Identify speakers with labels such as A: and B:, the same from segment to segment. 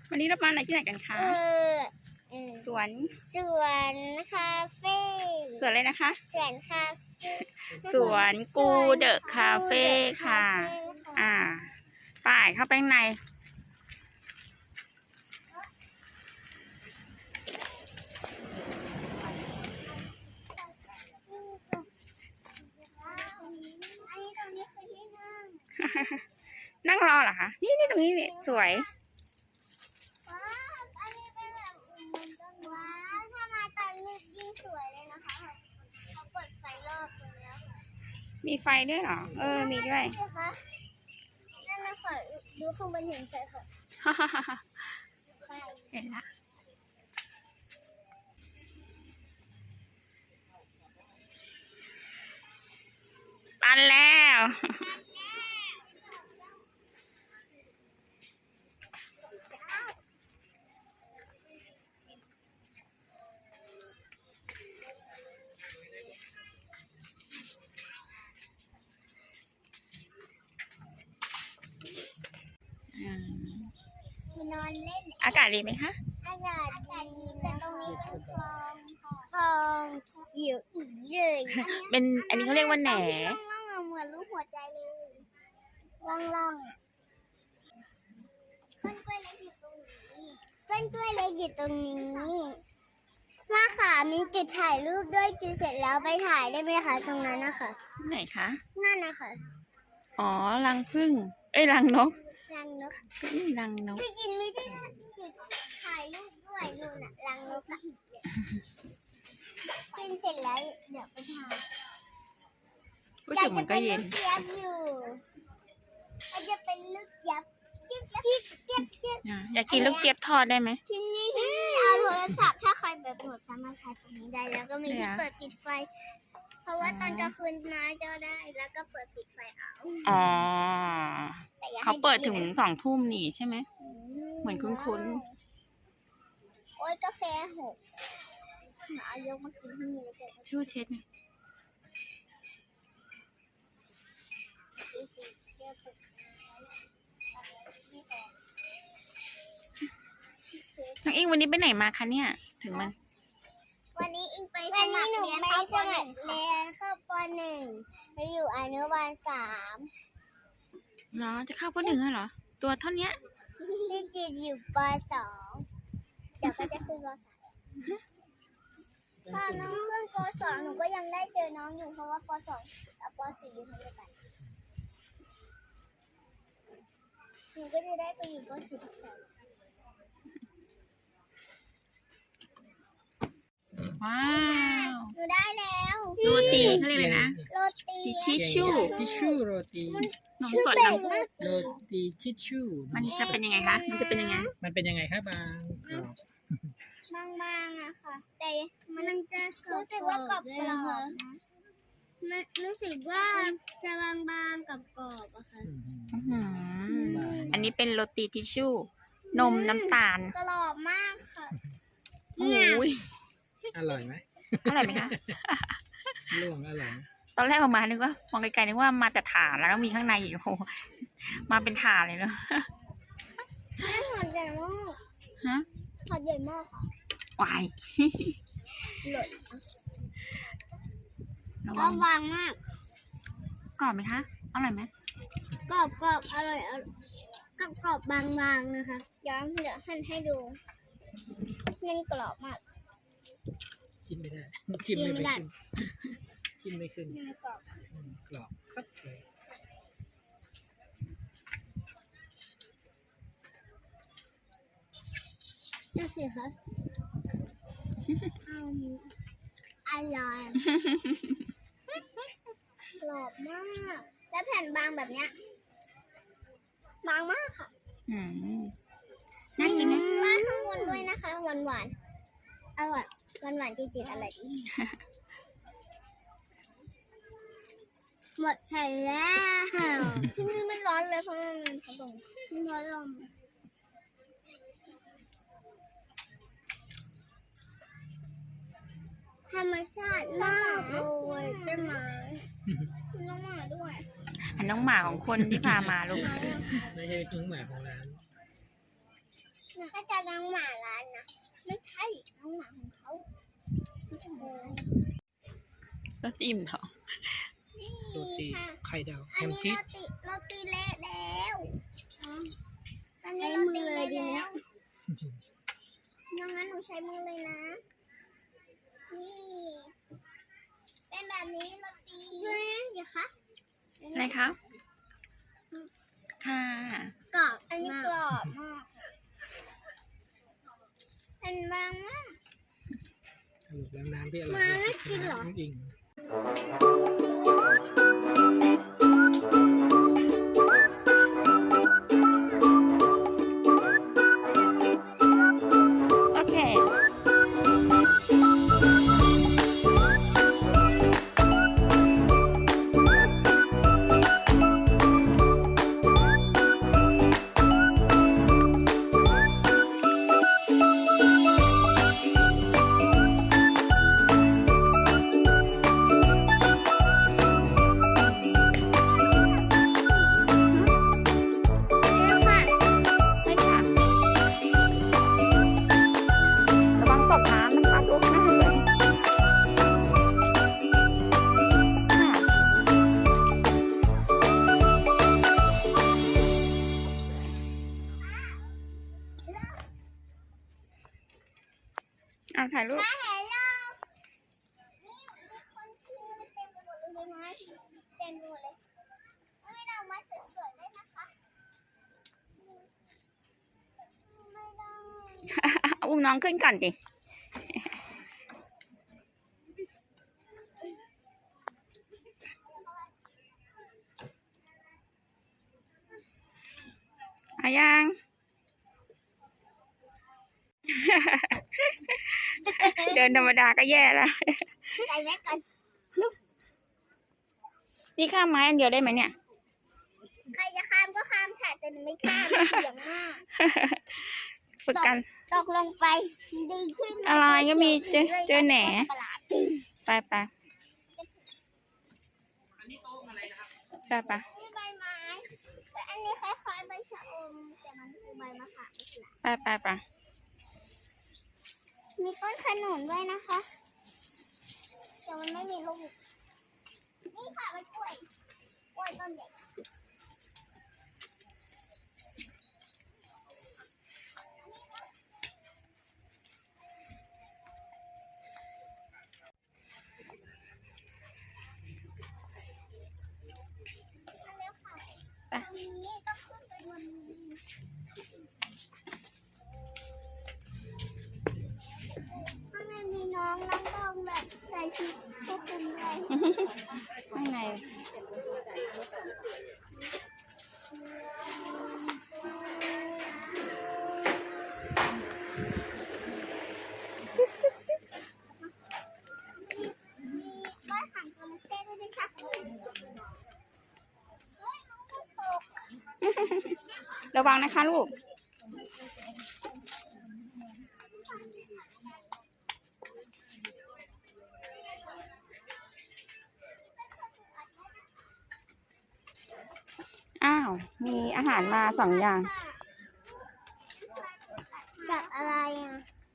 A: วันนี้เรามาไหนที่ไหนกันคะสวน
B: คาเฟ่
A: สวนอะไรนะคะ
B: สวนคาเฟ่
A: สวนกูเดอะคาเฟ่ค่ะป่ายเข้าไปข้างในนั่งรอเหรอคะนี่ตรงนี้นี่สวย
B: ว้าวอันนี้เป็นแบบว้าวถ้ามาตอนมืดยิ่งสวยเลยนะคะเขาเปิดไฟรอบตรงนี้ค่ะ
A: มีไฟด้วยเหรอมีด้วย
B: ใช่คะนั่นนะคะดูข้างบนเห็นใช่ค่ะ
A: เห็นละปันแล้ว
B: นอนเล่น
A: อากาศดีไหมคะ
B: อากาศดีแต่ตรงนี้เป็นคลองเขียวอีเลย
A: อันนี้เขาเรียกว่าแหน่
B: ล่องเหมือนรูปหัวใจเลยล่องต้นกล้วยเล็กอยู่ตรงนี้ต้นกล้วยเล็กอยู่ตรงนี้มาค่ะมีจุดถ่ายรูปด้วยจุดเสร็จแล้วไปถ่ายได้ไหมคะตรงนั้นนะคะ
A: ไหนคะ
B: นั่นนะคะ
A: อ๋อรังผึ้งรังนก
B: รังนก
A: รังนก
B: พี่จินไม่ได้จุดถ่ายรูปด้วยนู่นน่ะรังนกอะกินเสร็จแล้วเดี๋ยวไปถ่าย
A: ก็จุ่มมันก็เย็น
B: อาจจะเป็นลูกยับจิ๊บจิ๊บจิ๊บจิ๊บ
A: อยากกินลูกเจี๊ยบทอดได้ไหม
B: ที่นี่เอาโทรศัพท์ถ้าใครแบบหมดสามารถใช้ตรงนี้ได้แล้วก็มีที่เปิดปิดไฟ เพราะว่าตอนกลางคืนน้อยจะได้แล้วก็เปิดปิดไฟเอา
A: อ๋อ
B: แต่อย่าให้
A: เขาเปิดถึง2 ทุ่มนี่ใช่ไหม เหมือนคุ้น
B: โอ้ยกาแฟหกเอายกมากินที่นี่เลยกัน
A: ชู่เช็ดไงน้องอิงวันนี้ไปไหนมาคะเนี่ย ถึงมัน
B: วันนี้อิงไปสมัครเรียนเข้าป .1 เข้าป .1 ไปอยู่อนุบาล3
A: เนาะจะเข้าป .1 แล้วเหรอ ตัวเท่านี้
B: พี่จีนอยู่ป .2 เดี๋ยวก็จะขึ้นป .3 ตอนน้องขึ้นป .2 หนูก็ยังได้เจอน้องอยู่เพราะว่าป .2 กับป .4 อยู่ทั้งเดียวกันหนูก็จะได้ไปอยู่ป .4 ทับ2
A: ว้าว
B: หนูได้แล้ว
A: โรตีเขาเรียกอะไรนะ
B: โรตี
A: ทิชชู่
C: ทิชชู่โรตี
A: นมสดน้ำ
C: โรตีทิชชู่
A: มันจะเป็นยังไงคะ มันจะเป็นยังไง
C: มันเป็นยังไงครับบางกรอบ
B: บางๆอะค่ะ แต่มันจะรู้สึกว่ากรอบๆนะมันรู้สึกว่าจะบางๆกับกรอบอะค่ะ
A: อื้อหืออันนี้เป็นโรตีทิชชู่ นมน้ำตาล
B: กรอบมากค่ะ
A: โอ้ย
C: อร่อยไหม
A: อร่อยไหมคะ
C: ล่วงอร่อยไหม
A: ตอนแรกออกมานึกว่ามองไกลๆนึกว่ามาแต่ถ่านแล้วก็มีข้างในอีกโอ้โหมาเป็นถ่านเลยเนาะ
B: แม่หอดใหญ่มาก
A: ฮะ
B: หอดใหญ่มากค่ะ
A: วาย
B: หล่น
A: ระ
B: กร
A: วั
B: อง บบางมาก
A: กรอบไหมคะ อร่อยไหม
B: กรอบอร่อยกรอบบางๆนะคะย้อนเดี๋ยวหั่นให้ดูมันกรอบมาก
C: จิ้มไม่ได้ จิ้มไม่ขึ้นจิ้มไม่ขึ้น
B: มันกรอบ
C: กรอบครับเลย
B: ดูสิคะอร่อยกรอบมาก และแผ่นบางแบบเนี้ยบางมากค่ะ
A: อืมน่ากินไหม
B: ราดข้างบนด้วยนะคะหวานอร่อยหวานจริงๆอร่อยดีหมดแผ่นแล้วที่นี่ไม่ร้อนเลยเพราะมันเป็นพัดลมมันพัดลมธรรมชาติมากเลยต้นไม้น้องหมาด้วย
A: อันน้องหมาของคนที่พามาลูก
C: ไม่ใช่น้องหมาของร้าน
B: ถ้าจะน้องหมาร้านนะไม่ใช่น้องหมาของเขาไม่ใช่หมู
A: แล้วอิ่มท้อง
B: นี่
C: โรตี
B: ค่ะ
C: ไข่ดาวแฮ
B: อัน
C: ม
B: นี้
C: ชีส
B: โรตีเละแล้วอันนี้โรตีเละแล้วงั้นหนูใช้มือเลยนะ นี่ เป็นแบบนี้โรตีเดี๋ยวคะ
A: อะไรคะ ค่ะ
B: กรอบ อันนี้กรอบมากเป็นบางมาก
C: สรุปแล้วน้ำที่อร่อย
B: มาไม่กินเหรอ
C: น้ำอิง
A: โอเค
B: แล้วค่ะ
A: ไม่ค่ะ ระวังตกน้ำนะคะลูกนะเลยค่ะเอาถ่ายรูป
B: มาเห็นเรานี่มีคนชื่อเต็มไปหมดเลยไหมเต็มไปหมดเลยแล้วไม่เอามาสวยๆได้นะคะไม่ได้
A: อุ้มน้องขึ้นก่อนดิอายัง เดินธรรมดาก็แย่แล้ว
B: ใส่แมสก่อน
A: นี่ข้ามไม้อันเดียวได้ไหมเนี่ย
B: ใครจะข้ามก็ข้ามค่ะแต่หนูไม่ข้ามเสียงมาก
A: ฝึกกัน
B: ตกลงไปดีขึ้นหม
A: อะไรก็มีเจอแหน่
B: ประหลาด
A: ไปไปไปไป
B: นี่ใบไม้แต่อันนี้คล้ายๆใบชะอมแต่มันคือใบมะขาม
A: ไปไปไป
B: มีต้นขนุนด้วยนะคะแต่มันไม่มีลูกนี่ค่ะมันกล้วยต้นใหญ่ตรงนี้ต้องขึ้นไปบนนี้ข้างในมีน้องต้องแบบใส่ชุดควบคุมด้วย
A: ข้างใน
B: มีบ้านหางจระเข้ด้วยนะคะเฮ้ยน้องก็ตก
A: ระวังนะคะลูก อ้าว มีอาหารมา2 อย่าง
B: กับอะไรอ่ะ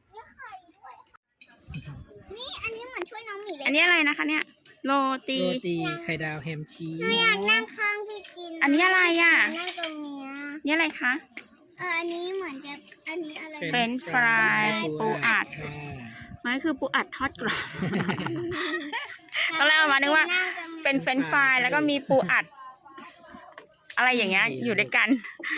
B: นี่อันนี้เหมือนช่วยน้องหมีเลย
A: อันนี้อะไรนะคะเนี่ย โรตี
C: โรตีไข่ดาวแฮมชี
B: หนู
C: ส
B: อยากนั่งข้างพี่จิน
A: อันนี้อะไรอ่ะ
B: นั่งตรงเนี้ย
A: นี่อะไรคะ
B: อันนี้เหมือนจะอันนี้อะไร
A: เฟรนช์ฟรายปูอัด
C: ค่ะ
A: มันก็คือปูอัดทอดกรอบ ตอนแรกเอามานึกว่า เป็นเฟรนช์ฟรายแล้วก็มีปูอัด อะไรอย่างเงี้ย อยู่ด้วยกัน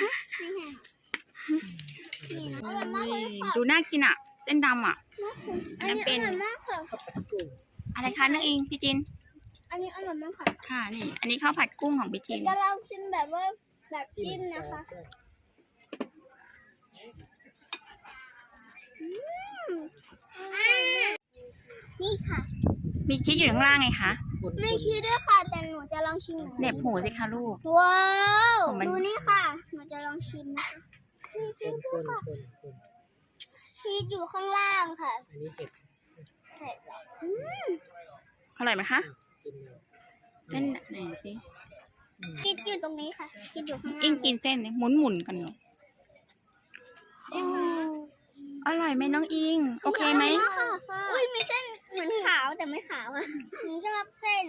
B: อร่อยมากเลยค่ะ
A: ดูน่ากินอ่ะ เส้นดำอ่ะ
B: อันนี้อร่อยมากค่ะ
A: อะไรคะน้องอิงพี่จิน
B: อันนี้อร่อยมากค่ะ
A: ค่ะนี่ อันนี้ข้าวผัดกุ้งของพี่จิน
B: จะลองชิมแบบว่าแบบจิ้มนะคะนี่ค่ะ
A: มีชีสอยู่ข้างล่างไงคะ
B: ไม่คิดด้วยค่ะ แต่หนูจะลองชิม
A: เหน็บหูสิคะลูก
B: ว้าว
A: ของมัน
B: ดูนี่ค่ะ หนูจะลองชิมนะคะชีส
C: คน
B: ด้วยค่ะ
C: คน
B: ชีสอยู่ข้างล่างค่ะ
C: อันนี้เห็ด
B: เผ็ดเหรอ
A: อร่อยไหมคะ
C: กินเลย
A: เส้นไหนสิ
B: ชีสอยู่ตรงนี้ค่ะชีสอยู่ข้างล่าง
A: อิงกินเส้นนี่หมุนกันเนาะ
B: อืม
A: อร่อยไหมน้องอิง โอเคไหม
B: อุ้ยมีเส้นเหมือนขาวแต่ไม่ขาวอ่ะหนูชอบเส้น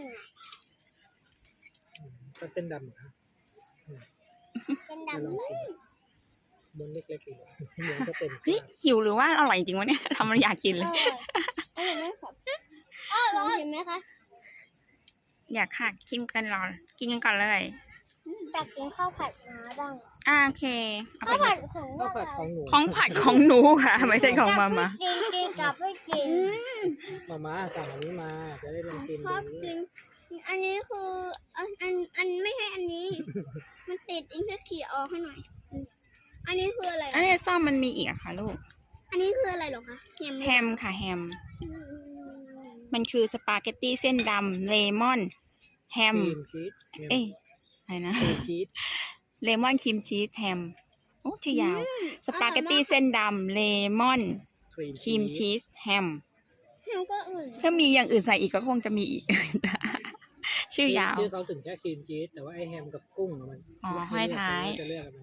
C: ก็เส้นดำเหรอครับ
B: เส้น
C: จะ
B: ดำ
C: ลองกินบนเล็กๆอีกเหมือนจะเป็น
A: เฮ้ยหิวหรือว่าอร่อยจริงวะเนี่ย ทำมันอยากกินเลย
B: อร่อยไหมครับร้อนเห็นไหมคะ
A: อยากค่ะชิมกันรอกินกันก่อนเลย
B: ตักกินข้าวผัดมาบ้าง
A: โอเคเอา
B: ข้าว
A: ไป
B: ผัดของ
C: ข้าวผัดของหนู
A: ของผัดของหนูค่ะ ไม่ใช่ของมามา
B: กินกับไม่กิน
C: มาสั่งอันนี้มาจะได้ลองกิน
B: ชอบ
C: ดู
B: กิน อันนี้คืออันไม่ให้อันนี้ มันติดอิงจะขี่ออกให้หน่อย อันนี้คืออะไร
A: อันนี้ซ่อมมันมีอีกอะค่ะลูก
B: อันนี้คืออะไรหรอคะแฮม
A: แฮมค่ะแฮม มันคือสปาเกตตี้เส้นดำเลมอนแฮ
C: ค
A: ม
C: รีมชีส
A: เอ้ยอะไรนะ
C: ครีมชีส
A: เลมอนครีมชีสแฮมโอ้ชื่อยาว สปาเกตตี้เส้นดำเลมอน
C: ครีม
A: ครีมชีสแฮม
B: แฮมก็อื่น
A: ถ้ามีอย่างอื่นใส่อีกก็คงจะมีอีก ชื่อยาว
C: ชื่อเขาถึงแค่ครีมชีสแต่ว่าไอแฮมกับกุ้งอะมัน
A: อ๋อห้อยท้าย
C: จะเลือกอะไร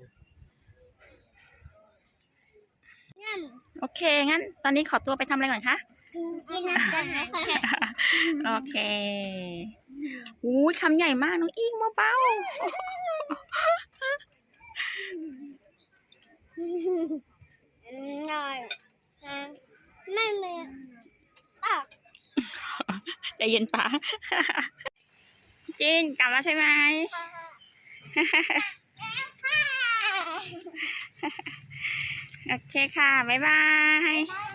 B: ย่ำ
A: โอเค งั้น ตอนนี้ขอตัวไปทำอะไรก่อนคะ
B: กินอาหารค่ะ
A: โอเคอู้ยคำใหญ่มากน้องอิงเบา
B: หน่อยไม่มีอ่ะ
A: ๆใจเย็นป๋า จินกลับแล้วใช่ไหม โอเคค่ะ บ๊ายบาย